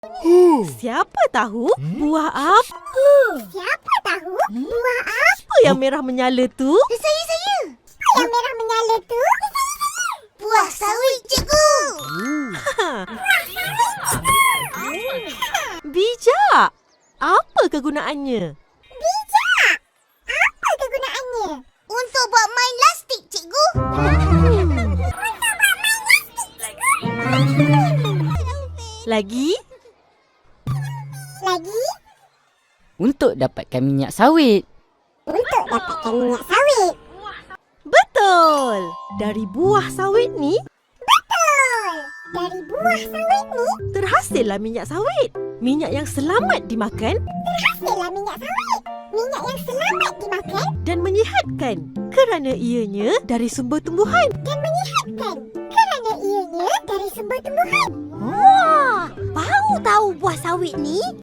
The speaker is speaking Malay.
Siapa tahu buah apa? Siapa tahu buah Apa yang merah menyala tu? Saya. Apa yang merah menyala tu? Buah sawit, cikgu. Bijak. Apa kegunaannya? Bijak. Apa kegunaannya? Untuk buat main lastik, cikgu. Lagi? Lagi, Untuk dapatkan minyak sawit. untuk dapatkan minyak sawit. Betul. Dari buah sawit ni, Betul. Dari buah sawit ni, terhasillah minyak sawit. Minyak yang selamat dimakan hasillah minyak sawit. Minyak yang selamat dimakan dan menyihatkan kerana ianya dari sumber tumbuhan. dan menyihatkan kerana ianya dari sumber tumbuhan. Wah, baru tahu buah sawit ni